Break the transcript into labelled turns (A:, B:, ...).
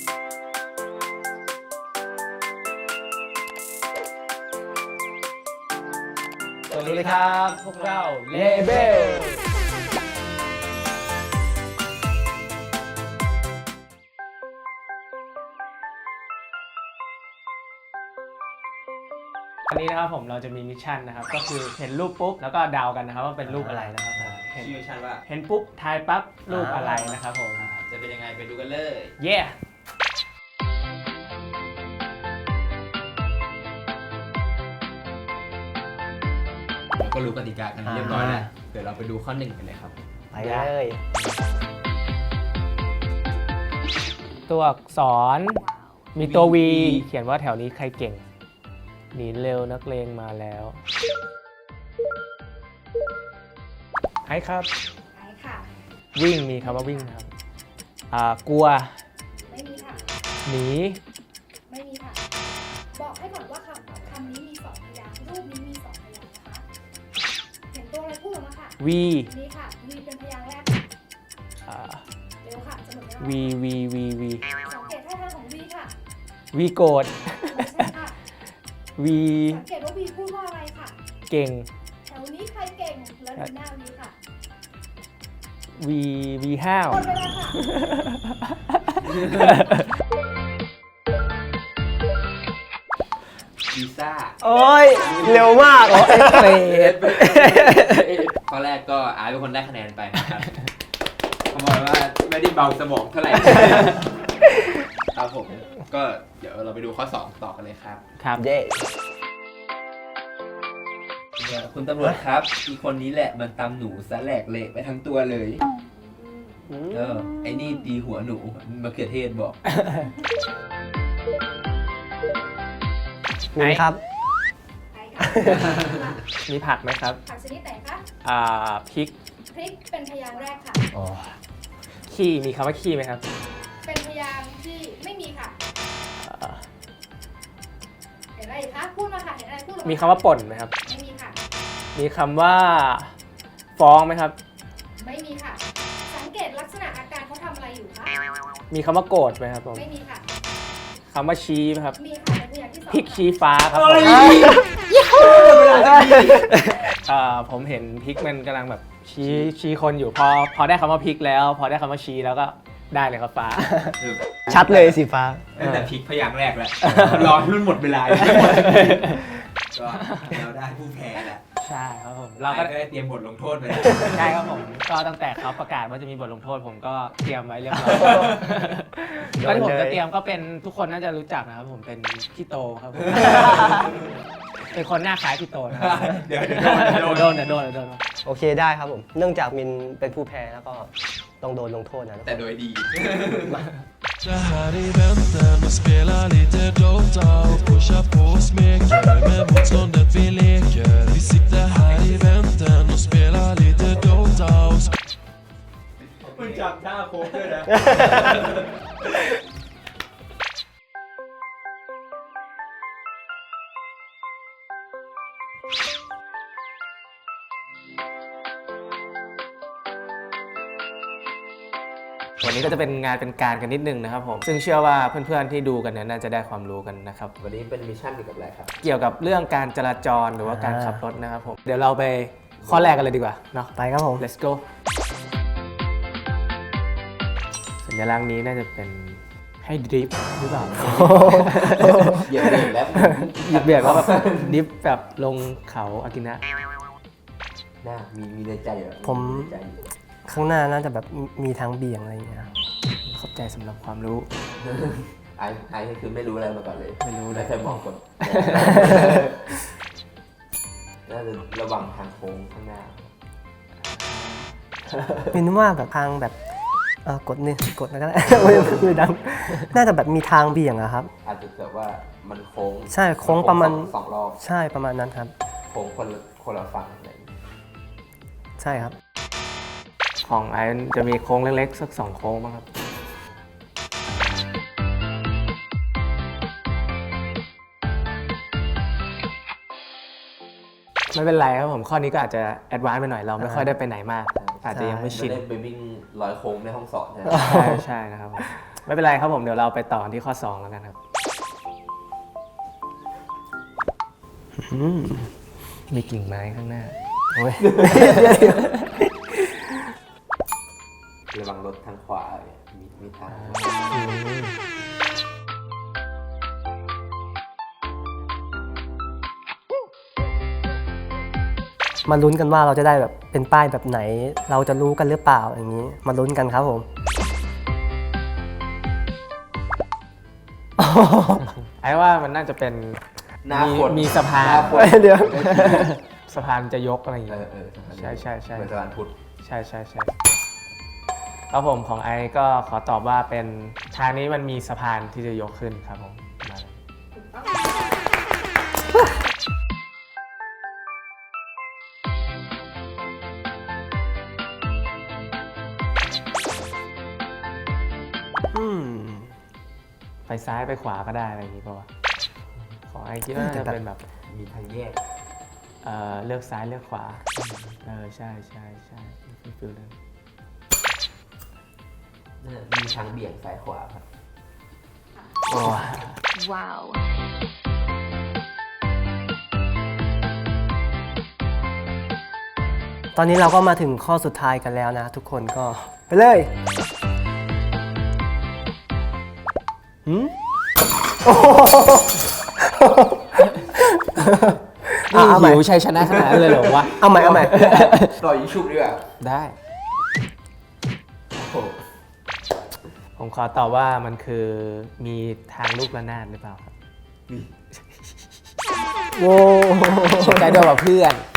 A: สวัสดีครับพวกเราเลเบลวันนี้นะครับเราจะมีมิชชั่นนะครับก็คือเห็นรูปปุ๊บแล้วก็เดากันนะครับว่าเป็นรูปอะไรนะครับ
B: ชื่อมิชชั่นว่า
A: เห็นปุ๊บทายปั๊บรูปอะไรนะครับผม
B: จะเป็นยังไงไปดูกันเลย
A: เย้
B: เราก็รู้กติกากันเรียบร้อยแล้วเดี๋ยวเราไปดูข้อหนึ่งกันเลยครับ
C: ไปเลย
A: ตัวอักษรมีตัว V เขียนว่าแถวนี้ใครเก่งหนีเร็วนักเลงมาแล้วไอ้ครับ
D: ไอ้ค่ะ
A: วิ่งมีคำว่าวิ่งครับกลัว
D: ไม่มีค่ะ
A: หนี
D: ไม่มีค่ะบอกให้ก่อนว่าคำนี้มี2พยางค์รูปนี้มี2พยางค์นะคะเห็นตัวอะไรพูดออกมาค่ะ
A: V
D: นี่ค่ะ V เป็นพยางค์แรกเร็วค่ะจะหมดแล้ว
A: V
D: สังเกตท่าทางของ V ค่ะ
A: V โกรธ
D: ไม่ใช่ค่ะ
A: V
D: สังเกตว่า V พูดว่าอะไรค่ะ
A: เก่ง
D: แถวนี้ใครเก่งแล้วดูหน้า V ค่ะ
A: V ห้าว
D: หมดเวลาค่ะ
B: วีซ่า
C: โอ้ยเร็วมากเอ็กเรด
B: ข้อแรกก็อาร์เป็นคนได้คะแนนไปนะครับเขาบอกว่าไม่ได้เบาสมองเท่าไหร่ครับผมก็เดี๋ยวเราไปดูข้อ2ต่อกันเลยครับ
A: ครับ
C: เย้
B: คุณตำรวจครับอีคนนี้แหละมันตำหนูซะแหลกเละไปทั้งตัวเลยไอ้นี่ตีหัวหนูมะเขือเทศบอก
C: มีครับ
D: ไอ้ค่ะ
A: มีผักไหมครับ
D: ผักชนิดไหนคะ
A: พริก
D: พริกเป็นพยางค์แรกค่ะ
A: ขี้มีคำว่าขี้ไหมครับ
D: เป็นพยางค์ที่ไม่มีค่ะเห็นอะไรอีกคะพูดมาค่ะเห็นอะไรพูดออกมา
A: มีคำว่าป่นไหมครับ
D: ไม่มีค่ะ
A: มีคำว่าฟ้องไหมครับ
D: ไม่มีค่ะ สังเกตลักษณะอาการเขาทำอะไรอยู่คะ
A: มีคำว่าโกรธไหมครับผม
D: ไม่มีค่ะ
A: คำว่าชี้ไหมครับ
D: มีค่ะเป็นพยางค์ที่2
A: พริกชี้ฟ้าครับผมผมเห็นพริกมันกำลังแบบชี้คนอยู่พอได้คำว่าพริกแล้ว พอได้คำว่าชี้แล้วก็ได้เลยครับฟ้า
C: ชัดเลยสีฟ้า
B: ตั้งแต่พลิกพยางค์แรกแล้วรอให้มันหมดเวลาก็เราได้ผู้แพ้แหละ
A: ใช่ครับผม
B: เรา
A: เรา
B: ก็
A: ก็
B: ได้เตรียมบทลงโทษไป
A: ใช่ครับผมก็ตั้งแต่เขาประกาศว่าจะมีบทลงโทษผมก็เตรียมไว้เรียบร้อยแล้วที่ผมจะเตรียมก็เป็นทุกคนน่าจะรู้จักนะครับผมเป็นพี่โตครับผมเป็นคนหน้าคล้ายพี่โตนะครับ
B: เดี๋ยวโดน
A: โดน
C: โอเคได้ครับผม เนื่องจากมินเป็นผู้แพ้แล้วก็ต้องโดนลงโทษนะ
B: แต่โดยดี
E: Så här i väntan och spela lite Dota och pusha på och smeker med motståndet vi leker. Vi sitter här i väntan och spelar lite Dota och
B: มึงจำท่าโค้งด้วยนะ
A: วันนี้ก็จะเป็นงานเป็นการกันนิดนึงนะครับผมซึ่งเชื่อว่าเพื่อนๆที่ดูกันเนี่ยน่าจะได้ความรู้กันนะครับ
B: วันนี้เป็นมิชชั่นเกี่ยวกับอะไรครับ
A: เกี่ยวกับเรื่องการจราจรหรือว่าการขับรถนะครับผมเดี๋ยวเราไปข้อแรกกันเลยดีกว่าเนาะ
C: ไปครับผม
A: let's go สัญลักษณ์นี้น่าจะเป็นให้ดริฟต์หรือเปล่า
B: เหยียบเบรกแล้ว
A: หยิบเบียดว่าแบบดริฟต์แบบลงเขาอากินะ
B: น่ามีในใจเหรอ
C: ผม ข้างหน้าน่าจะแบบมีทางเบี่ยงอะไรอย่างเงี้ย
A: ขอบใจสำหรับความรู้
B: ไอ้คือไม่รู้อะไรมาก่อนเลย
A: ไม่รู้เลย
B: ไม่เคยบอกคนน่าจะระวังทางโค้งข้างหน้า
C: มินว่าแบบทางแบบกดนี่กดแล้วก็ได้ ไม่ดังน่าจะแบบมีทางเบี่ยงอะครับ
B: อาจจะแบบว่ามันโค้ง
C: ใช่โค้งประมาณ
B: สองรอบ
C: ใช่ประมาณนั้นครับ
B: โค้งคนละฝั่งอะไรอย่างงี้
C: ใช่ครับ
A: ของไอซ์จะมีโค้งเล็กๆสัก2โค้งบ้างครับ ไม่เป็นไรครับผมข้อนี้ก็อาจจะแอดวานซ์ไปหน่อยเราไม่ค่อยได้ไปไหนมาก อาจจะยังไม่ชิน
B: ไม่ได้ไปวิ่งร้อยโค้งในห้องสอนนะ
A: ใช่นะครับผมไม่เป็นไรครับผมเดี๋ยวเราไปต่อกันที่ข้อ 2 แล้วกันครับ มีกิ่งไม้ข้างหน้า
C: โอ้ย
B: ระวังรถทางขวามีทาง
C: มาลุ้นกันว่าเราจะได้แบบเป็นป้ายแบบไหน เราจะรู้กันหรือเปล่าอย่างนี้ มาลุ้นกันครับผม
A: ไอ้ว่ามันน่าจะเป็น
B: หน้าคน
A: มีสะพาน
B: หน้าคน
C: เดี๋ยว
A: สะพานจะยกอะไรอย่างเงี้ย ใช่ใช่ใช่
B: เหมือนสะพานพุทธ
A: ใช่ครับผมของไอก็ขอตอบว่าเป็นทางนี้มันมีสะพานที่จะยกขึ้นครับผมมาเลย
D: ถูกต้อง
C: อืม
A: ไปซ้ายไปขวาก็ได้อะไรอย่างงี้ป่าวะของไอคิดว่าน่าจะเป็นแบบ
B: มีทางแยก
A: เลือกซ้ายเลือกขวาใช่ฟิลนั้น
B: มีทางเบี่ยงซ้ายขวาครับ
A: โอ้
F: Wow.
C: ตอนนี้เราก็มาถึงข้อสุดท้ายกันแล้วนะทุกคนก็ไปเลยหืมโอ้โห
A: นี่
C: เอาใหม่
A: หิวชัยชนะขนาดนั้นเลยเหรอวะ
C: เอาใหม่
B: ต่อยิงชุบดีกว่า
A: ได้
B: โอ้โห
A: ผมขอตอบว่ามันคือมีทางลูกระนาดหรือเปล่าครับ
C: โว้
A: ใช้ด้วยกับเพื่อน